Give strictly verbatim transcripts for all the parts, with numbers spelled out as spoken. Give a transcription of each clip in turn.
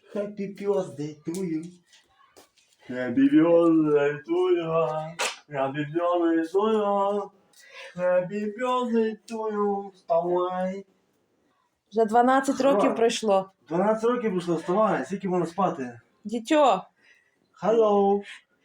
Happy birthday to you. Happy birthday to you. Happy birthday to you. Happy birthday to you. Вставай. Вже дванадцять років пройшло. дванадцять років пройшло, вставай. Скільки можна спати? Дітьо. Hello.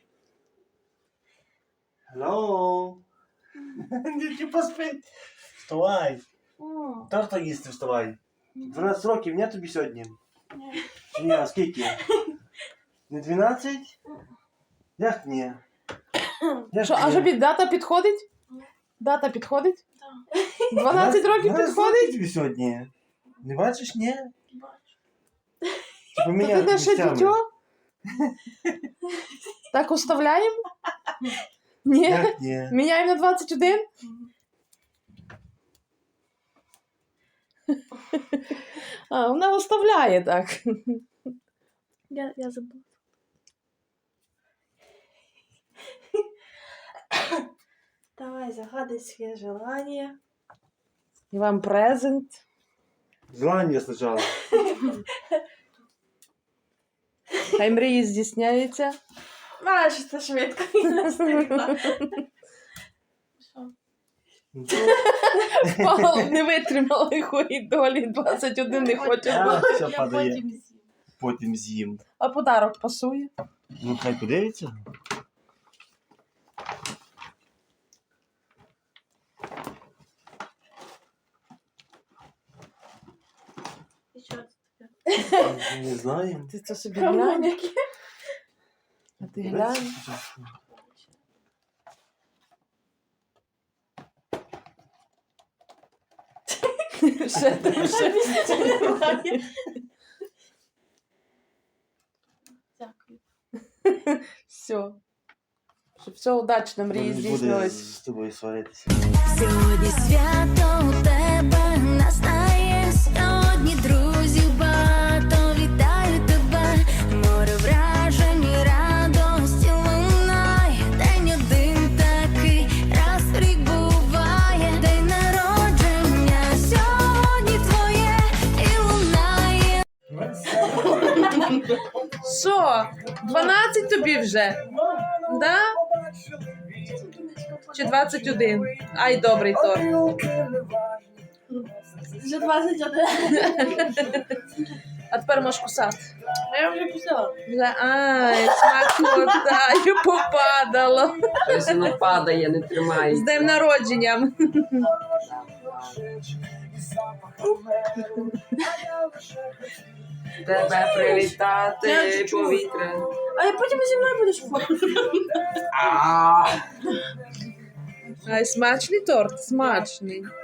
Hello. Дітки поспить. Вставай. Торта їсти, вставай. дванадцять років, ні тобі сьогодні? Ні, а скільки? Не дванадцять? Як ні? Як Що, ні? а що під дата підходить? Дата підходить? Так. дванадцять років дванадцять підходить? років тобі сьогодні? Не бачиш, ні? Бачу. Чи То ти поміняти де ще місцями? дітьо? Так оставляємо? Ні? Як ні? Міняємо на двадцять один? А, вона оставляє так. Я, я забула. Давай, загадай своє желання. І вам презент. Желання спочатку. Хай мрії здійсняються. Маєш, це швидко. Я не встигла. Що? Впала, не витримала лихої долі, двадцять один не хоче. А, все Я падає. потім з'їм. Потім з'їм. А подарок пасує. Ну, хай подивиться. І що це таке? Не знаю. Ти це собі глянь. Камоняки. А ти глянь. Ще там, ще. Це немає. Дякую. Все. Щоб все удачно, мрії Не буде здійснились. з тобою сваритися. Сьогодні свято у тебе настає, сьогодні друзів багато, вітаю тебе, море вражень і радості лунає, день один такий, раз в рік буває, день народження, сьогодні твоє і лунає. Що? дванадцять тобі вже? Да? Чи двадцять один? Ай, добрий торт. Вже двадцять один. А тепер можеш кусати. А я вже кусила. Вже, ай, смакота, і попадало. Щось воно падає, не З тримається. днем народженням. Тебе привітати повітря. А я потім зі мною будеш фоткати. А. Ай, смачний торт, смачний.